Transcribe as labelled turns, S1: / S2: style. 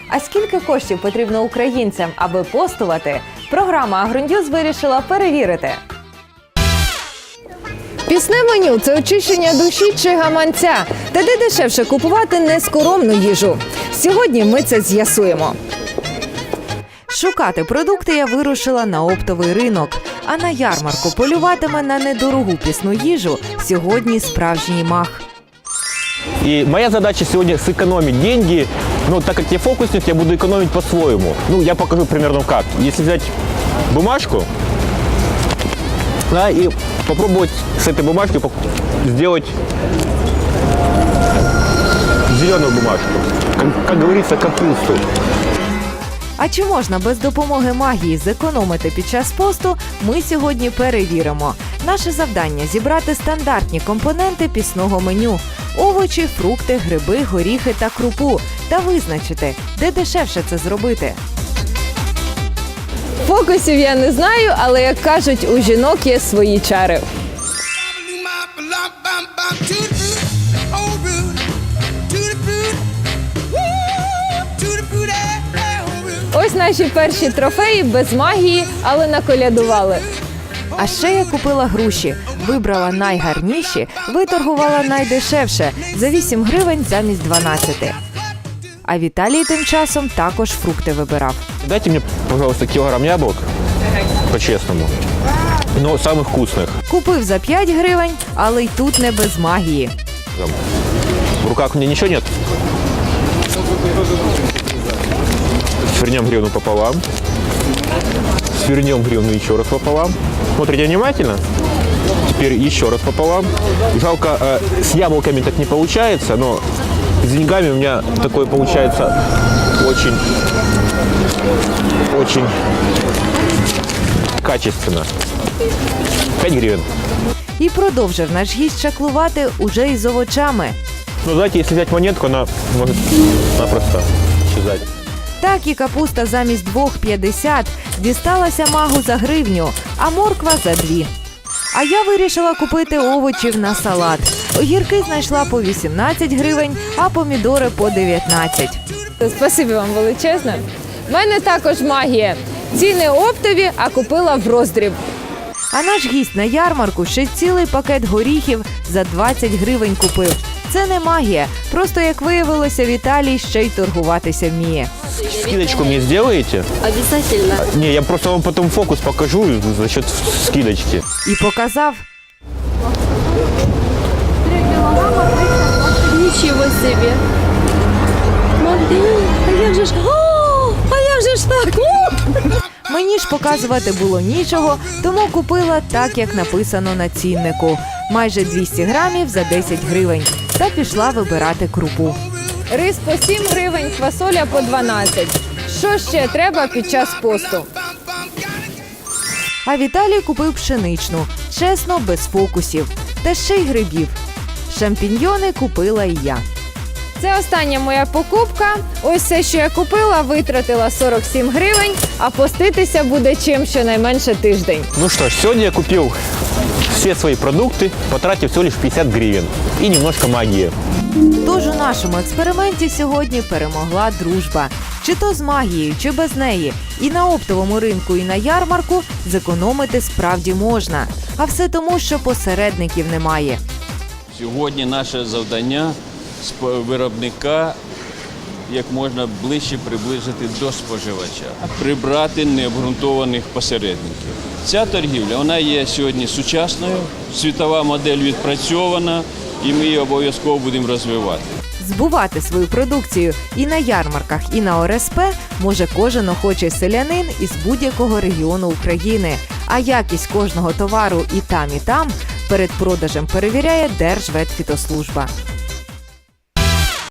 S1: А скільки коштів потрібно українцям, аби постувати, програма «Агроньюз» вирішила перевірити. Пісне меню – це очищення душі чи гаманця. Та де дешевше купувати нескоромну їжу? Сьогодні ми це з'ясуємо. Шукати продукти я вирушила на оптовий ринок. А на ярмарку полюватиме на недорогу пісну їжу сьогодні справжній мах.
S2: И моя задача сегодня сэкономить деньги, но так как я фокусник, я буду экономить по-своему. Я покажу примерно как. Если взять бумажку, да, и попробовать с этой бумажки сделать зеленую бумажку, как говорится, капусту.
S1: А чи можна без допомоги магії зекономити під час посту, ми сьогодні перевіримо. Наше завдання – зібрати стандартні компоненти пісного меню – овочі, фрукти, гриби, горіхи та крупу – та визначити, де дешевше це зробити. Фокусів я не знаю, але, як кажуть, у жінок є свої чари. Ось наші перші трофеї без магії, але наколядували. А ще я купила груші, вибрала найгарніші, виторгувала найдешевше – за 8 гривень замість 12. А Віталій тим часом також фрукти вибирав.
S2: Дайте мне, пожалуйста, килограмм яблок, по-честному, но самых вкусных.
S1: Купив за 5 гривень, але й тут не без магії.
S2: В руках у меня ничего нет. Свернем гривну пополам. Свернем гривну еще раз пополам. Смотрите внимательно. Теперь еще раз пополам. Жалко, с яблоками так не получается, но с деньгами у меня такое получается очень качественно. 5 гривен.
S1: І продовжив наш гість чаклувати уже із овочами.
S2: Знаете, если взять монетку, она может напросто исчезать.
S1: Так і капуста замість 2,50 дісталася магу за гривню, а морква за 2. А я вирішила купити овочів на салат. Огірки знайшла по 18 гривень, а помідори по 19. Спасибі вам величезне. В мене також магія. Ціни оптові, а купила в роздріб. А наш гість на ярмарку ще цілий пакет горіхів за 20 гривень купив. Це не магія, просто, як виявилося, Віталій ще й торгуватися вміє.
S2: Скидочку мне сделаете?
S3: Обязательно.
S2: Не, я просто вам потом фокус покажу за счет скидочки.
S1: І показав.
S3: Ничего себе. Смотри, а як же ж... О, а як же ж так?
S1: Мені ж показувати було нічого, тому купила так, як написано на ціннику. Майже 200 грамів за 10 гривень. Та пішла вибирати крупу. Рис по 7 гривень, квасоля по 12. Що ще треба під час посту? А Віталій купив пшеничну. Чесно, без фокусів. Та ще й грибів. Шампіньйони купила і я. Це остання моя покупка. Ось все, що я купила, витратила 47 гривень, а поститися буде чим щонайменше тиждень.
S2: Ну что ж, сегодня я купил все свои продукты, потратив всего лишь 50 гривен. И немножко магии.
S1: Тож у нашому експерименті сьогодні перемогла дружба. Чи то з магією, чи без неї. І на оптовому ринку, і на ярмарку зекономити справді можна. А все тому, що посередників немає.
S4: Сьогодні наше завдання з виробника як можна ближче приблизити до споживача, прибрати необґрунтованих посередників. Ця торгівля, вона є сьогодні сучасною, світова модель відпрацьована, і ми її обов'язково будемо розвивати.
S1: Збувати свою продукцію і на ярмарках, і на ОРСП може кожен охочий селянин із будь-якого регіону України. А якість кожного товару і там перед продажем перевіряє Держветфітослужба.